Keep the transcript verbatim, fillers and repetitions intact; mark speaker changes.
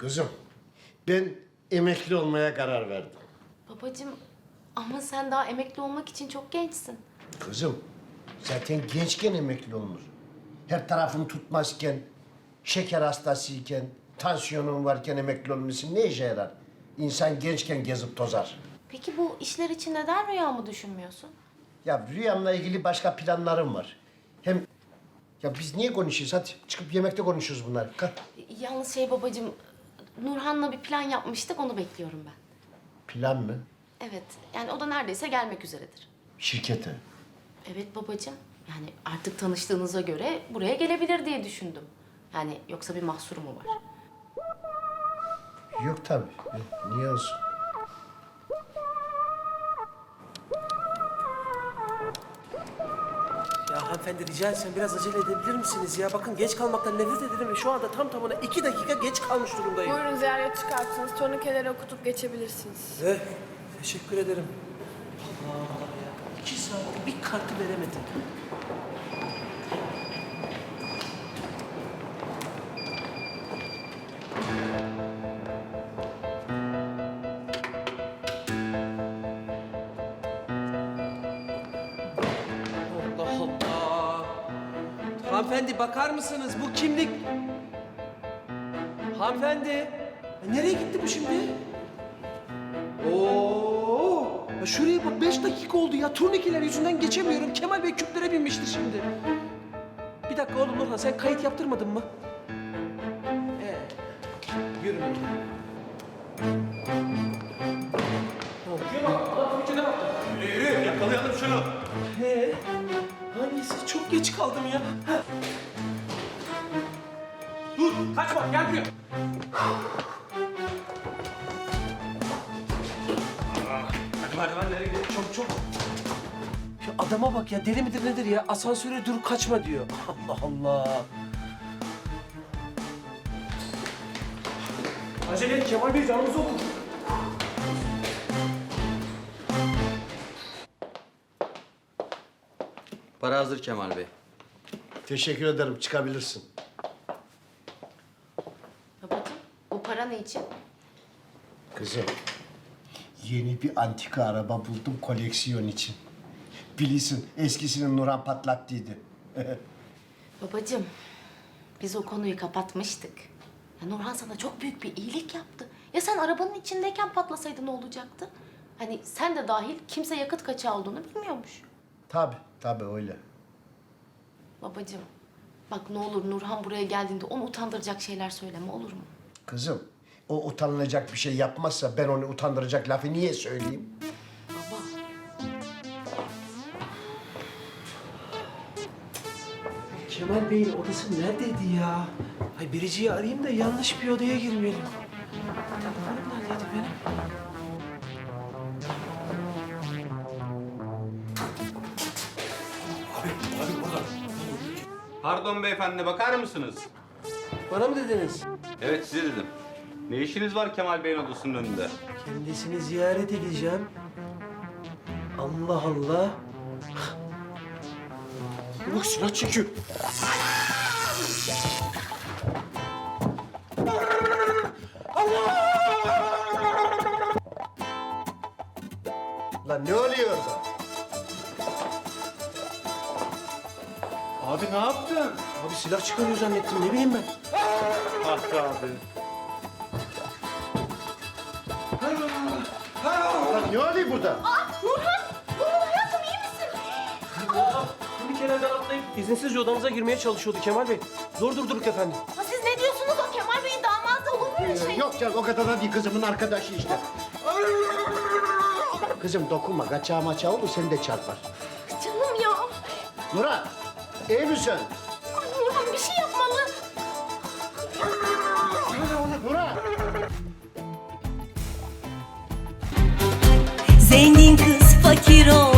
Speaker 1: Kızım, ben emekli olmaya karar verdim.
Speaker 2: Babacığım ama sen daha emekli olmak için çok gençsin.
Speaker 1: Kızım, zaten gençken emekli olunur. Her tarafın tutmazken, şeker hastasıyken, tansiyonun varken emekli olması ne işe yarar? İnsan gençken gezip tozar.
Speaker 2: Peki bu işler için neden rüyamı düşünmüyorsun?
Speaker 1: Ya rüyamla ilgili başka planlarım var. Hem ya biz niye konuşuyoruz? Hadi çıkıp yemekte konuşuruz bunlar. Kalk.
Speaker 2: Yalnız şey babacığım, Nurhan'la bir plan yapmıştık, onu bekliyorum ben.
Speaker 1: Plan mı?
Speaker 2: Evet, yani o da neredeyse gelmek üzeredir.
Speaker 1: Şirkete.
Speaker 2: Evet babacığım, yani artık tanıştığınıza göre buraya gelebilir diye düşündüm. Yani yoksa bir mahsuru mu var?
Speaker 1: Yok tabii. Yok, niye olsun?
Speaker 3: Ya hanımefendi rica etsem biraz acele edebilir misiniz ya? Bakın geç kalmaktan nefret ederim ve şu anda tam tamına iki dakika geç kalmış durumdayım.
Speaker 4: Buyurun ziyaret çıkartınız. Turnikeleri okutup geçebilirsiniz.
Speaker 3: Eh, teşekkür ederim. Allah Allah ya. İki saat bir kartı veremedim. Allah Allah. Hanımefendi bakar mısınız? Bu kimlik... Hanımefendi. Ya nereye gitti bu şimdi? Oo! Ya şuraya bak beş dakika oldu ya. Turnikeler yüzünden geçemiyorum. Kemal Bey küplere binmiştir şimdi. Bir dakika oğlum Nurhan sen kayıt yaptırmadın mı? Ee, yürü Nurhan. Ne oldu? Şuna bak. Adam Twitter'e baktı.
Speaker 5: Yürü yürü yakalayalım şunu.
Speaker 3: He? Hangisi? Çok geç kaldım ya. Heh.
Speaker 5: Dur kaçma gel buraya. Hadi merdivenlere gidelim çabuk çabuk.
Speaker 3: Şu adama bak ya deli midir nedir ya? Asansöre dur kaçma diyor. Allah Allah. Acele et Kemal Bey canımızı okur.
Speaker 6: Para hazır Kemal Bey.
Speaker 1: Teşekkür ederim. Çıkabilirsin.
Speaker 2: Babacığım, bu para ne için?
Speaker 1: Kızım, yeni bir antika araba buldum koleksiyon için. Bilirsin, eskisini Nurhan patlattıydı.
Speaker 2: Babacığım, biz o konuyu kapatmıştık. Ya Nurhan sana çok büyük bir iyilik yaptı. Ya sen arabanın içindeyken patlasaydı ne olacaktı? Hani sen de dahil kimse yakıt kaçağı olduğunu bilmiyormuş.
Speaker 1: Tabii, tabii öyle.
Speaker 2: Babacığım, bak ne olur Nurhan buraya geldiğinde onu utandıracak şeyler söyleme, olur mu?
Speaker 1: Kızım, o utanılacak bir şey yapmazsa ben onu utandıracak lafı niye söyleyeyim?
Speaker 2: Baba,
Speaker 3: Kemal Bey'in odası neredeydi ya? Ay Biricik'i arayayım da yanlış bir odaya girmeyelim. Telefonum neredeydi benim?
Speaker 5: Pardon beyefendi bakar mısınız?
Speaker 3: Bana mı dediniz?
Speaker 5: Evet size dedim. Ne işiniz var Kemal Bey'in odasının önünde?
Speaker 3: Kendisini ziyaret edeceğim. Allah Allah. Bak silah çekiyor.
Speaker 1: Lan ne oluyor orada?
Speaker 5: Abi ne yaptın?
Speaker 3: Abi silah çıkarıyor zannettim ne bileyim ben.
Speaker 5: Ah be abi.
Speaker 1: Lan ne oluyor burada?
Speaker 3: Bir kenardan atlayıp izinsizce odamıza girmeye çalışıyordu Kemal Bey. Zor durdurduk efendim.
Speaker 2: ha siz ne diyorsunuz? O Kemal Bey'in damadı, olur mu öyle şey?
Speaker 1: Yok canım, o kadar da değil. Kızımın arkadaşı işte. Kızım dokunma, kaçağı maçağı olur, seni de çarpar.
Speaker 2: Canım ya.
Speaker 1: Nurhan, iyi misin?
Speaker 2: Ay Nurhan bir şey yapmalı.
Speaker 1: Nurhan!
Speaker 7: Zengin kız fakir ol